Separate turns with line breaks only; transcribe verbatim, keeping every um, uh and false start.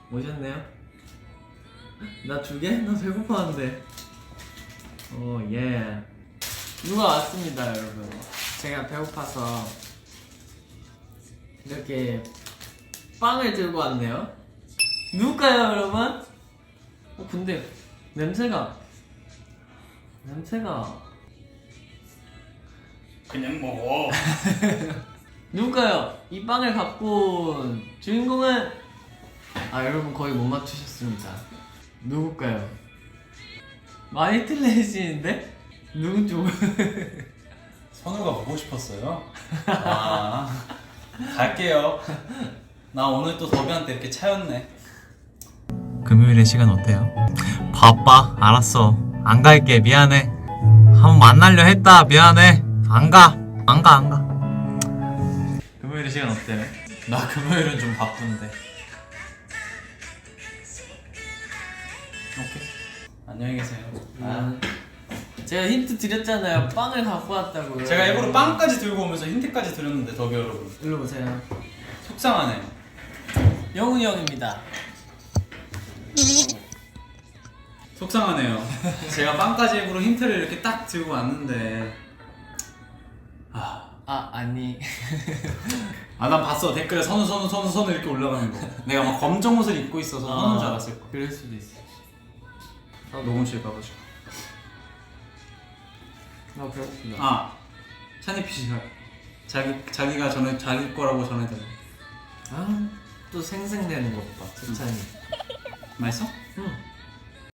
오셨네요? 나 두 개? 나 배고파는데. 오 예. 누가 왔습니다 여러분. 제가 배고파서 이렇게 빵을 들고 왔네요. 누굴까요 여러분? 어 근데 냄새가 냄새가
그냥 먹어.
누굴까요? 이 빵을 갖고 온 주인공은 아 여러분 거의 못 맞추셨습니다. 누굴까요? 많이 틀리시는데? 누구죠?
선우가 보고 싶었어요? 아 갈게요. 나 오늘 또 더비한테 이렇게 차였네.
금요일에 시간 어때요? 바빠. 알았어. 안 갈게. 미안해. 한번 만나려 했다. 미안해. 안 가. 안 가, 안 가. 금요일에 시간 어때요?
나 금요일은 좀 바쁜데. 오케이. 안녕히 계세요. 아.
제가 힌트 드렸잖아요. 빵을 갖고 왔다고요.
제가 일부러 빵까지 들고 오면서 힌트까지 드렸는데 더비 여러분
일로 보세요.
속상하네요.
영훈이 형입니다.
속상하네요. 제가 빵까지 일부러 힌트를 이렇게 딱 들고 왔는데 아,
아 아니.
아 난 봤어. 댓글에 선우 선우 선우 선우 이렇게 올라가는 거. 내가 막 검정 옷을 입고 있어서 선우인 줄 알았을 거야.
그럴 수도 있어.
아, 녹음실 가가지고.
아 배고프다.
아 찬이피 씨가 자기 자기가 전에 자기 거라고 전해달래.
아또 생생내는 것 봐. 세찬이.
맛있어?